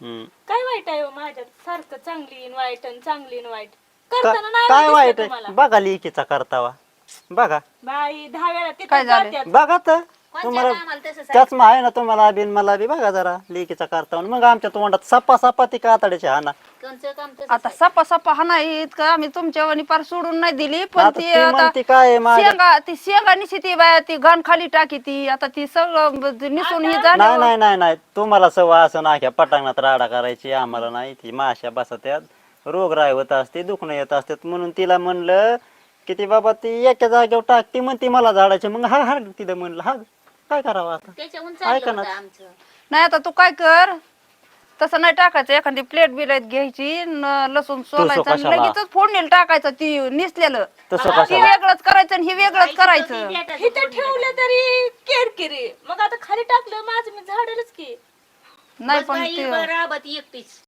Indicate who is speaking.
Speaker 1: काय वाईट आहे हो माझ्यात? सारखं चांगली न वाईट आणि चांगली न वाईट करताना नाही
Speaker 2: काय
Speaker 1: दिसलं
Speaker 2: वाईट
Speaker 1: तुम्हाला?
Speaker 2: आहे बघा लेकीचा करतावा बघा
Speaker 1: बाई 10 वेळा तिथे
Speaker 3: काय झालं?
Speaker 1: जात्यात.
Speaker 2: बघा तर तुम्हाला
Speaker 4: आम्हाला तसंच आहे.
Speaker 2: त्याच आहे ना तुम्हाला बिन मला बी बघा जरा लेकीचा करतावा मग आमच्या तोंडात सपा सपा ती कातड्याची हा ना
Speaker 4: कोणचं काम तसंच
Speaker 3: आता सपा सपा हा नाही इतकं आम्ही तुमच्या वाणी पार सोडून नाही दिली पण
Speaker 2: आता
Speaker 3: ती
Speaker 2: ती
Speaker 3: आता
Speaker 2: म्हणते काय आहे माझ्या
Speaker 3: शेंगा निशी ती बाया ती घाण खाली टाकी ती आता ती सगळं निसून ही
Speaker 2: नाही
Speaker 3: झाली
Speaker 2: नाही नाही नाही तुम्हाला सवय असं नाख्या पटांगणात राडा करायची आम्हाला नाही ती माश्या बसत्यात रोगराई होत असते दुखणं येत असतात म्हणून तिला म्हणलं की ती बाबा ती एका जागेवर टाकती म्हणते मला झाडाचे मग हा हा तिथं म्हणलं हा काय करावं आता
Speaker 4: त्याच्याहून
Speaker 2: ऐका
Speaker 4: चाललं
Speaker 2: ना.
Speaker 4: होतं आमचं.
Speaker 3: नाही आता तू काय कर तसं नाही टाकायचं एखादी प्लेट बिलेट घ्यायची लसूण सोलायचं आणि
Speaker 2: कशाला?
Speaker 3: लगेचच फोडणीला टाकायचं ती निसलेलं
Speaker 2: तसं
Speaker 3: ती
Speaker 2: कशाला?
Speaker 3: वेगळंच करायचं आणि हे वेगळंच करायचं
Speaker 1: इथं ठेवलं तरी किरकिरी मग आता खाली टाकलं माझं मी झाडेलच की
Speaker 3: नाही
Speaker 4: बस
Speaker 3: पण
Speaker 4: बाई,
Speaker 3: ते
Speaker 4: बरं, राबत एकटीच